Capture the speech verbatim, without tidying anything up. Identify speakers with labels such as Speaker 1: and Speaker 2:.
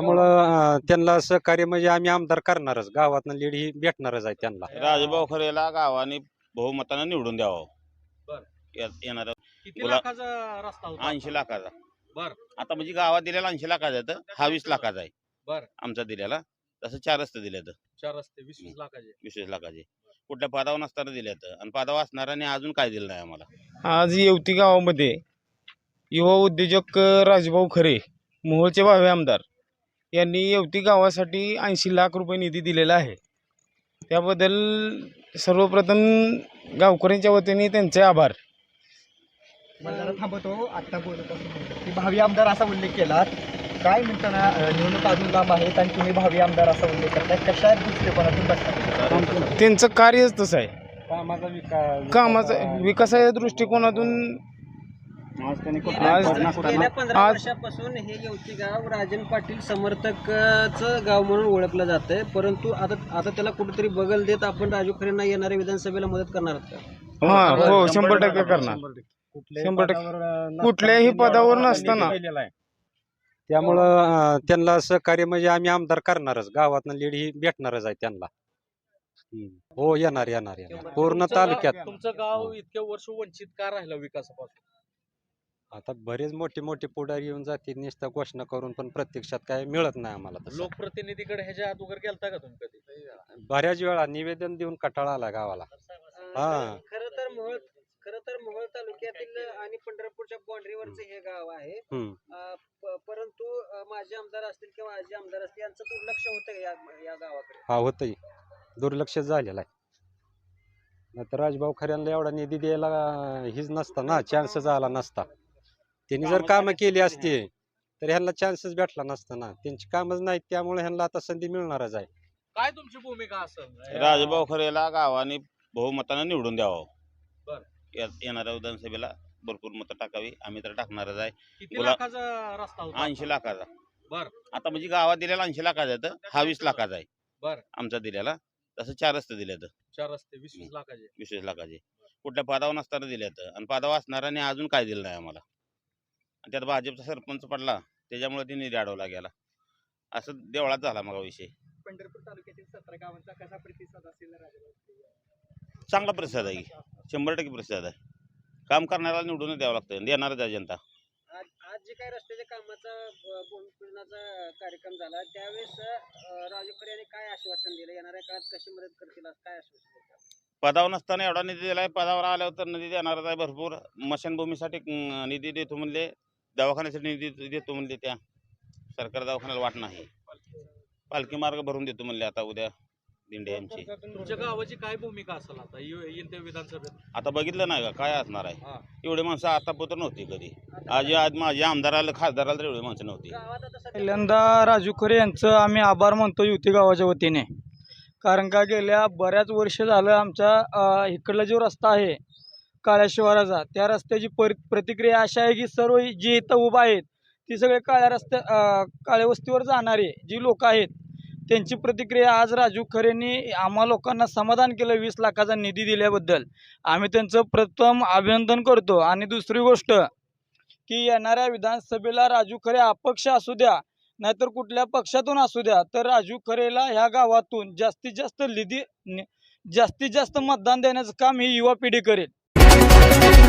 Speaker 1: त्यामुळं अं, त्यांना सहकार्य म्हणजे आम्ही आमदार करणारच, गावातनं लीड ही भेटणारच आहे त्यांना.
Speaker 2: राजभाऊ खरेला गावाने बहुमतानं निवडून द्यावं.
Speaker 3: बर.
Speaker 2: या- येणारा
Speaker 3: किती
Speaker 2: गुला-
Speaker 3: लाखाचा रस्ता होता
Speaker 2: ऐंशी लाखाचा.
Speaker 3: बर.
Speaker 2: आता म्हणजे गावात दिलेला ऐंशी लाखाचा आहे, तर हा वीस लाखाचा आहे
Speaker 3: बर.
Speaker 2: आमचा दिलेला. तसं चार रस्ते दिले तर
Speaker 3: चार रस्ते वीस वीस लाखाचे.
Speaker 2: वीस लाखाचे कुठल्या पदावर नसताना दिले तर, आणि पदावर असणाऱ्याने अजून काय दिलं नाही आम्हाला.
Speaker 4: आज येवती गावामध्ये युवा उद्योजक राजभाऊ खरे, मोहोळचे भावे आमदार यांनी येवती गावासाठी ऐंशी लाख रुपये निधी दिलेला आहे. त्याबद्दल सर्वप्रथम गावकऱ्यांच्या वतीने त्यांचे आभार.
Speaker 5: मला थांबवतो आत्ता बोलत असतो की भावी आमदार असा उल्लेख केला. काय म्हणताना अं, निवडणूक अजून लांब आहेत आणि तुम्ही भावी आमदार असा उल्लेख करताय, कशा दृष्टिकोनातून बसता?
Speaker 4: त्यांचं कार्यच तसं आहे.
Speaker 1: कामाचा विकास
Speaker 4: कामाचा विकासाच्या दृष्टिकोनातून
Speaker 1: आज त्यांनी
Speaker 4: आज
Speaker 6: गेल्या पंधरा
Speaker 4: आज-
Speaker 6: वर्षापासून हे येवती गाव राजन पाटील समर्थकचं गाव म्हणून ओळखलं जातंय, परंतु आता आता त्याला कुठेतरी बगल देत आपण राजू खरेंना येणाऱ्या विधानसभेला मदत करणार आहात का?
Speaker 4: हा हो शंभर टक्के करणार. शंभर टक्के कुठल्याही पदावर नसताना
Speaker 1: त्यामुळं अं, त्यांना सहकार्य म्हणजे आम्ही आमदार करणारच, गावातनं लीड ही भेटणारच आहे त्यांना. हम्म. हो येणार येणार येणार पूर्ण
Speaker 3: तुमचं गाव-
Speaker 1: तालुक्यात.
Speaker 3: तुमचं गाव इतक्या वर्ष वंचित का राहिलं विकासापासून?
Speaker 1: आता बरेच मोठे मोठे पुढारी येऊन जातील नुसत्या घोषणा करून, पण प्रत्यक्षात काय मिळत नाही आम्हाला तसं.
Speaker 3: लोकप्रतिनिधीकडे ह्याच्या अगोदर गेलता का तुम्ही कधी?
Speaker 1: बऱ्याच वेळा निवेदन देऊन कंटाळा आला गावाला. हा.
Speaker 6: खरं तर मोहोळ खरं तर मोहोळ तालुक्यातील आणि पंढरपूरच्या बाउंड्रीवरचं हे गाव आहे.
Speaker 1: हम्म.
Speaker 6: अं, प- परंतु अं, माजी आमदार असतील किंवा आजी आमदार असतील यांचं दुर्लक्ष होतं का या या गावाकडे?
Speaker 1: हा होतंय, दुर्लक्ष झालेला आहे. नाहीतर राजभाऊ खऱ्यांना एवढा निधी द्यायला अं, हीच नसता ना, चान्सच आला नसता. त्यांनी जर कामं केली असती तर ह्यांना चान्सच भेटला नसता ना. त्यांची कामच नाहीत, त्यामुळे ह्यांना आता संधी मिळणारच आहे.
Speaker 3: काय तुमची भूमिका असेल?
Speaker 2: राजभाऊ खरेला गावाने बहुमतानं निवडून द्यावं.
Speaker 3: बर.
Speaker 2: या- येणाऱ्या विधानसभेला भरपूर मतं टाकावी, आम्ही तर टाकणारच आहे.
Speaker 3: किती
Speaker 2: गुला-
Speaker 3: लाखाचा रस्ता होता?
Speaker 2: ऐंशी लाखाचा.
Speaker 3: बर.
Speaker 2: आता म्हणजे गावात दिलेला ऐंशी लाखाचा आहे, तर हा वीस लाखाचा आहे
Speaker 3: बर.
Speaker 2: आमचा दिलेला. तसं चार रस्ते दिले तर
Speaker 3: चार रस्ते वीस वीस लाखाचे.
Speaker 2: वीस लाखाचे कुठल्या पदावर नसताना दिले तर, आणि पदावर असणाऱ्याने अजून काय दिलं नाही आम्हाला. आणि त्यात भाजपचा सरपंच पडला, त्याच्यामुळे ते निधी अडवला गेला. असं देवळात झाला मग विषय.
Speaker 5: पंढरपूर तालुक्यातील सतरा गावांचा कसा प्रतिसाद असेल राजभाऊ?
Speaker 2: चांगला प्रतिसाद आहे की, शंभर टक्के प्रतिसाद आहे. काम करणाऱ्याला निवडून द्यावं लागतं, देणारच आहे जनता.
Speaker 6: आज आज जे काही रस्त्याच्या कामाचा ब- भूमिपूजनाचा कार्यक्रम झाला त्यावेळेस अं, राजू खरे यांनी काय आश्वासन दिलं, येणाऱ्या काळात कशी मदत करतील असं काय आश्वासन दिलं?
Speaker 2: पदावर नसताना एवढा निधी दिलाय, पदावर आल्यावर तर निधी देणारच आहे भरपूर. मशानभूमीसाठी अं, निधी देतो म्हणले, दवाखान्यासाठी निधी देतो म्हणले, त्या सरकार दवाखान्याला वाट नाही. पालखी मार्ग भरून देतो म्हणले आता उद्या दिंडे आमची.
Speaker 3: तुमच्या गावाची काय भूमिका असेल आता ये- येईल त्या विधानसभेत?
Speaker 2: आता बघितलं नाही का काय असणार आहे.
Speaker 3: हा.
Speaker 2: एवढे माणसं आतापर्यंत नव्हती कधी. आज आज माझ्या आमदाराला खासदाराला तर एवढी माणसं नव्हती.
Speaker 6: गावात आता सध्या
Speaker 4: पहिल्यांदा राजू खरे यांचं आम्ही आभार मानतो युती गावाच्या वतीने. कारण का गेल्या बऱ्याच वर्ष झालं आमच्या अ, इकडला जो रस्ता आहे काळ्या शिवाराचा, त्या रस्त्याची पर प्रतिक्रिया अशी आहे की सर्व जी इथं उभा आहेत ती सगळे काळ्या रस्त्या अ, काळ्या वस्तीवर जाणारे जी लोक आहेत त्यांची प्रतिक्रिया आज राजू खरेंनी आम्हा लोकांना समाधान केलं वीस लाखाचा निधी दिल्याबद्दल. आम्ही त्यांचं प्रथम अभिनंदन करतो. आणि दुसरी गोष्ट की येणाऱ्या विधानसभेला राजू खरे अपक्ष असू द्या नाहीतर कुठल्या पक्षातून असू द्या, तर राजू खरेला ह्या गावातून जास्तीत जास्त निधी जास्तीत जास्त मतदान देण्याचं काम ही युवा पिढी करेल.